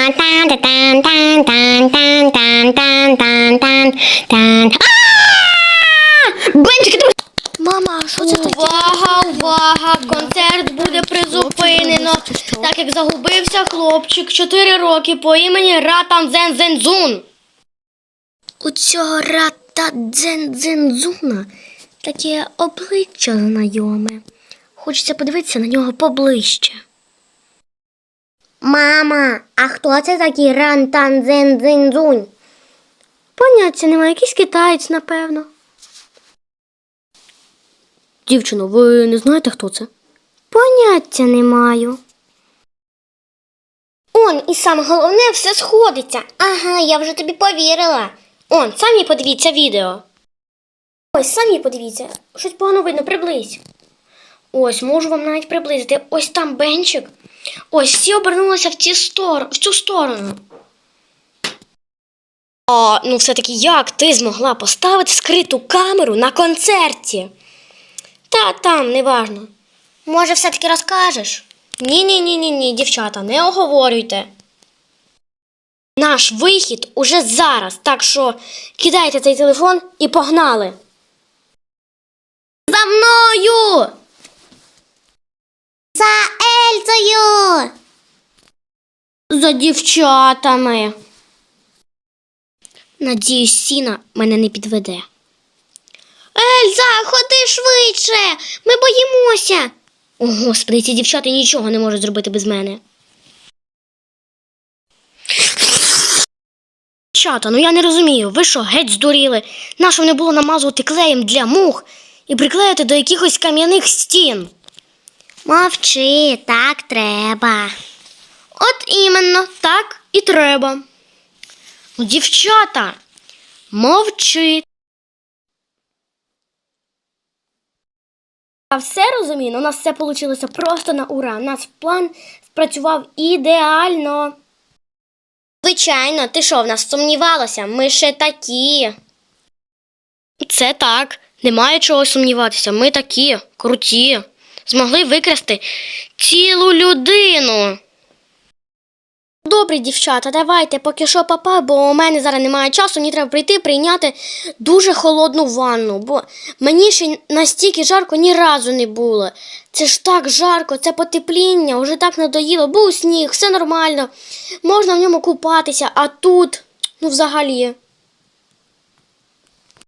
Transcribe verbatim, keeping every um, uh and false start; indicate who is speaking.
Speaker 1: Бенчики, ти...
Speaker 2: Мама, що це таке?
Speaker 1: Увага, увага! Концерт буде призупинено, так як загубився хлопчик чотири роки по імені Ратан Дзен-Дзен-Дзун.
Speaker 2: У цього Рата Дзен-Дзен-Дзуна таке обличчя знайоме. Хочеться подивитися на нього поближче.
Speaker 3: Мама, а хто це такий Рантан Дзен-Дзен-Дзунь?
Speaker 2: Поняття немає, якийсь китаєць, напевно. Дівчино, ви не знаєте, хто це?
Speaker 3: Поняття не маю. Он, і саме головне, все сходиться. Ага, я вже тобі повірила.
Speaker 1: Он, самі подивіться відео.
Speaker 3: Ось, самі подивіться. Щось погано видно, приблизь.
Speaker 1: Ось, можу вам навіть приблизити. Ось там Бенчик. Ось, всі обернулися в, ці стор... в цю сторону. А, ну все-таки як ти змогла поставити скриту камеру на концерті? Та там, неважно.
Speaker 3: Може, все-таки розкажеш?
Speaker 1: Ні-ні-ні-ні, дівчата, не оговорюйте. Наш вихід уже зараз, так що кидайте цей телефон і погнали.
Speaker 3: За мною! За Ельзою!
Speaker 1: За дівчатами. Надіюсь, Сіна мене не підведе.
Speaker 3: Ельза, ходи швидше! Ми боїмося!
Speaker 1: О, Господи, ці дівчата нічого не можуть зробити без мене. Дівчата, ну я не розумію, ви що, геть здуріли? Нащо не було намазувати клеєм для мух і приклеїти до якихось кам'яних стін?
Speaker 3: Мовчи, так треба.
Speaker 1: От іменно, так і треба. Ну, дівчата, мовчи. Я все розумію, але у нас все вийшло просто на ура. Наш план спрацював ідеально. Звичайно, ти що, в нас сумнівалася? Ми ще такі. Це так, немає чого сумніватися. Ми такі, круті. Змогли викрасти цілу людину. Добре, дівчата, давайте, поки що папа, бо у мене зараз немає часу, мені треба прийти прийняти дуже холодну ванну, бо мені ще настільки жарко ні разу не було. Це ж так жарко, це потепління, вже так надоїло, був сніг, все нормально, можна в ньому купатися, а тут, ну взагалі.